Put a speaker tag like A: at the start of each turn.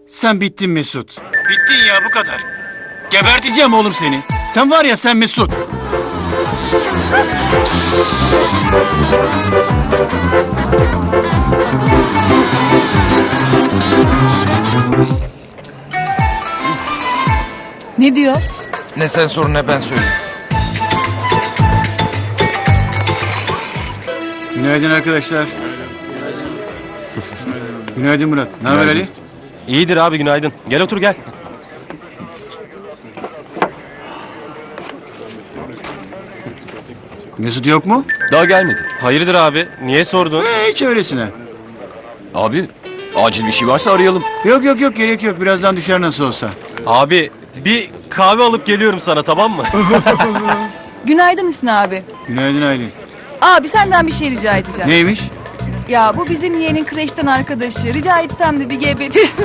A: Sen bittin Mesut. Bittin ya, bu kadar. Geberteceğim oğlum seni. Sen var ya, sen Mesut.
B: Ne diyor?
C: Ne sen sorun ne ben söyleyeyim.
A: Günaydın arkadaşlar. Günaydın Murat. Ne haber Ali?
D: İyidir abi, günaydın. Gel otur gel.
A: Mesut yok mu?
E: Daha gelmedi.
D: Hayırdır abi? Niye sordun?
A: Hiç öylesine.
E: Abi acil bir şey varsa arayalım.
A: Yok yok yok, gerek yok. Birazdan düşer nasıl olsa.
D: Abi bir kahve alıp geliyorum sana, tamam mı?
B: Günaydın Hüsnü abi.
A: Günaydın Aylin.
B: Abi senden bir şey rica edeceğim.
A: Neymiş?
B: Ya bu bizim yeğenin kreşten arkadaşı. Rica etsem de bir gebetirsin.